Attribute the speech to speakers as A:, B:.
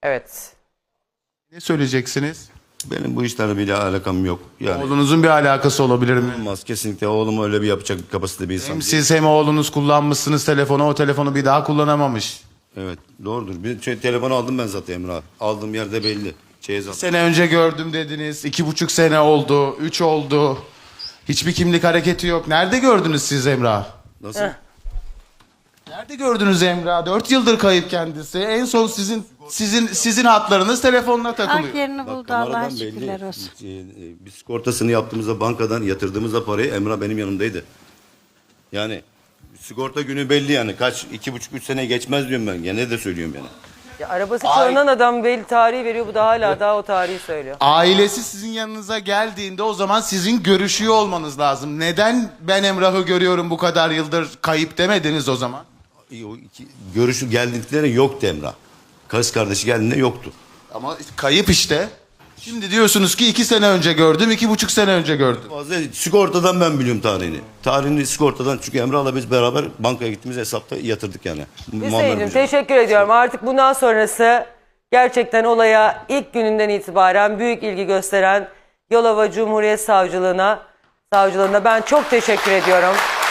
A: Evet.
B: Ne söyleyeceksiniz?
C: Benim bu işlerle bir alakam yok. Yani
B: Oğlunuzun bir alakası olabilir mi?
C: olmaz kesinlikle, oğlum öyle bir yapacak kapasite bir insan
B: Hem
C: değil.
B: siz hem oğlunuz kullanmışsınız telefonu, o telefonu bir daha kullanamamış.
C: Evet, doğrudur. Bir telefonu aldım ben zaten Emre abi. Aldığım yerde belli. Zaten.
B: Sene önce gördüm dediniz. 2,5 sene oldu. 3 oldu. Hiçbir kimlik hareketi yok. Nerede gördünüz siz Emrah?
C: Nasıl?
B: Nerede gördünüz Emrah? 4 yıldır kayıp kendisi. En son sizin hatlarınız telefonuna takılıyor.
D: Hak yerini buldu,
C: Kameradan
D: Allah'a
C: belli.
D: şükürler olsun.
C: Biz sigortasını yaptığımızda bankadan yatırdığımızda parayı Emrah benim yanımdaydı. Yani sigorta günü belli yani. Kaç, 2,5-3 sene geçmez diyorum ben. Gene de söylüyorum yani.
A: Ya arabası çalınan adam belli tarihi veriyor. Bu da hala daha o tarihi söylüyor.
B: Ailesi sizin yanınıza geldiğinde o zaman sizin görüşüyor olmanız lazım. Neden ben Emrah'ı görüyorum bu kadar yıldır kayıp demediniz o zaman?
C: Görüşü geldiklerine yoktu Emrah. Kız kardeşi geldiğinde yoktu.
B: Ama kayıp işte. Şimdi diyorsunuz ki 2 sene önce gördüm, 2,5 sene önce gördüm.
C: Fazla sigortadan ben biliyorum tarihini. Tarihini sigortadan, çünkü Emrah'la biz beraber bankaya gittiğimiz hesapta yatırdık yani.
A: Hüseyin'cim teşekkür ediyorum. Artık bundan sonrası gerçekten olaya ilk gününden itibaren büyük ilgi gösteren Yalova Cumhuriyet Savcılığına ben çok teşekkür ediyorum.